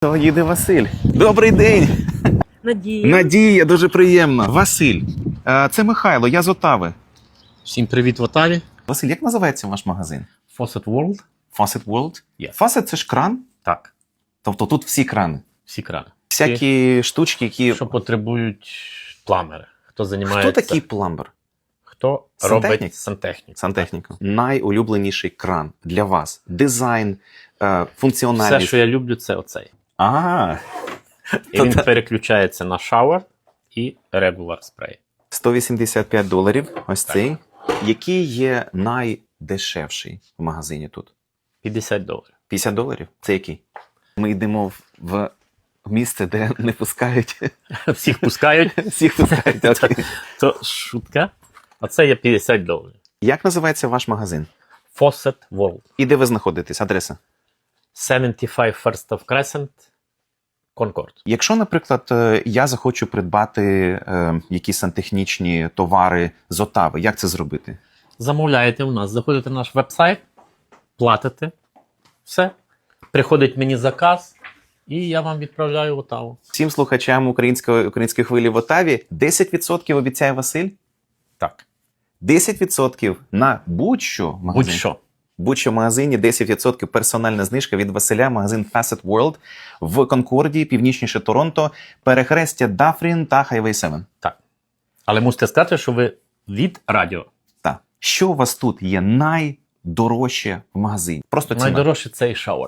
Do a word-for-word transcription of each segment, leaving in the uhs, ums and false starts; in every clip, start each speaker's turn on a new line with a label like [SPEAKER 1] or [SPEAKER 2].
[SPEAKER 1] То їде Василь. Добрий день!
[SPEAKER 2] Надія.
[SPEAKER 1] Надія, дуже приємно. Василь, е, це Михайло, я з Отави.
[SPEAKER 3] Всім привіт в Отаві.
[SPEAKER 1] Василь, як називається ваш магазин?
[SPEAKER 3] Faucet World.
[SPEAKER 1] Faucet World?
[SPEAKER 3] Yes.
[SPEAKER 1] Faucet – це ж кран?
[SPEAKER 3] Так,
[SPEAKER 1] Тобто тут всі крани?
[SPEAKER 3] всі крани.
[SPEAKER 1] Всякі штучки, які...
[SPEAKER 3] Що потребують пламери. Хто займається...
[SPEAKER 1] Хто такий пламбер?
[SPEAKER 3] Хто
[SPEAKER 1] Сантехнік?
[SPEAKER 3] робить сантехніку.
[SPEAKER 1] Сантехніка. Найулюбленіший кран для вас. Дизайн, е, функціональність.
[SPEAKER 3] Все, що я люблю, це оцей.
[SPEAKER 1] Ага.
[SPEAKER 3] І він переключається на шауер і регуляр спрей.
[SPEAKER 1] сто вісімдесят п'ять доларів, ось
[SPEAKER 3] Так.
[SPEAKER 1] цей. Який є найдешевший в магазині тут?
[SPEAKER 3] п'ятдесят доларів.
[SPEAKER 1] п'ятдесят доларів? Це який? Ми йдемо в, в місце, де не пускають.
[SPEAKER 3] Всіх пускають.
[SPEAKER 1] Всіх пускають. Окей.
[SPEAKER 3] То шутка. А це є п'ятдесят доларів.
[SPEAKER 1] Як називається ваш магазин?
[SPEAKER 3] Faucet World.
[SPEAKER 1] І де ви знаходитесь? Адреса?
[SPEAKER 3] сімдесят п'ять First of Crescent, Concord.
[SPEAKER 1] Якщо, наприклад, е, я захочу придбати е, якісь сантехнічні товари з Отави, як це зробити?
[SPEAKER 3] Замовляєте у нас, заходите на наш веб-сайт, платите, все. Приходить мені заказ, і я вам відправляю в Отаву.
[SPEAKER 1] Всім слухачам української, української хвилі в Отаві десять відсотків обіцяє Василь?
[SPEAKER 3] Так.
[SPEAKER 1] десять відсотків на будь-що в магазині.
[SPEAKER 3] Будь-що.
[SPEAKER 1] Будь-що в магазині десять відсотків персональна знижка від Василя, магазин Faucet World в Конкорді, північніше Торонто, перехрестя Дафрін та Хайвей сім.
[SPEAKER 3] Так. Але мусите сказати, що ви від радіо.
[SPEAKER 1] Так. Що у вас тут є найдорожче в магазині? Просто ціна.
[SPEAKER 3] Найдорожче цей шауер.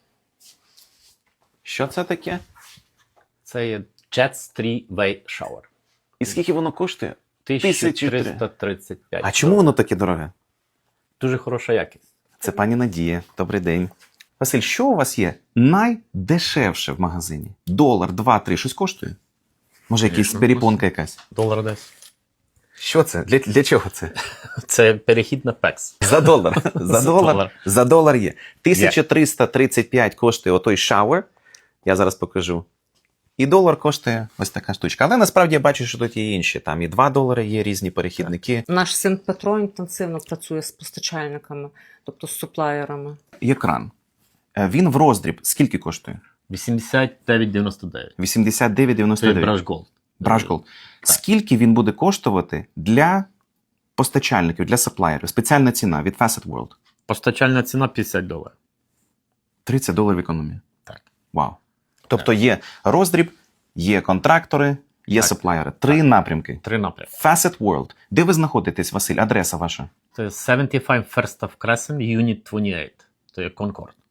[SPEAKER 1] Що це таке?
[SPEAKER 3] Це є Jets три-way Shower.
[SPEAKER 1] І скільки воно коштує?
[SPEAKER 3] тисяча триста тридцять п'ять.
[SPEAKER 1] А чому воно таке дороге?
[SPEAKER 3] Дуже хороша якість.
[SPEAKER 1] Це пані Надія. Добрий день. Василь, що у вас є найдешевше в магазині? Долар, два, три, щось коштує? Може, якась
[SPEAKER 3] Звісно,
[SPEAKER 1] перепонка якась?
[SPEAKER 3] Долар десь.
[SPEAKER 1] Що це? Для, для чого це?
[SPEAKER 3] Це перехід на пекс.
[SPEAKER 1] За долар. За
[SPEAKER 3] За
[SPEAKER 1] долар.
[SPEAKER 3] долар.
[SPEAKER 1] За долар є. тисяча триста тридцять п'ять коштує отой шауер. Я зараз покажу. І долар коштує ось така штучка. Але насправді я бачу, що тут є інші. Там і два долари є різні перехідники.
[SPEAKER 2] Наш син Петро інтенсивно працює з постачальниками, тобто з суплаєрами.
[SPEAKER 1] Є кран. Е, Він в роздріб. Скільки коштує?
[SPEAKER 3] вісімдесят дев'ять дев'яносто дев'ять.
[SPEAKER 1] вісімдесят дев'ять дев'яносто
[SPEAKER 3] Це
[SPEAKER 1] дев'ять.
[SPEAKER 3] Brush Gold.
[SPEAKER 1] Brush Gold. Скільки він буде коштувати для постачальників, для саплаєрів? Спеціальна ціна від Faucet World.
[SPEAKER 3] Постачальна ціна п'ятдесят доларів.
[SPEAKER 1] тридцять доларів економія.
[SPEAKER 3] Так.
[SPEAKER 1] Вау. Тобто є роздріб, є контрактори, є
[SPEAKER 3] Так.
[SPEAKER 1] саплаєри. Три напрямки.
[SPEAKER 3] Три напрямки.
[SPEAKER 1] Faucet World. Де ви знаходитесь, Василь? Адреса ваша?
[SPEAKER 3] Це сімдесят п'ять First of Crescent, Unit двадцять вісім. Це є Concord.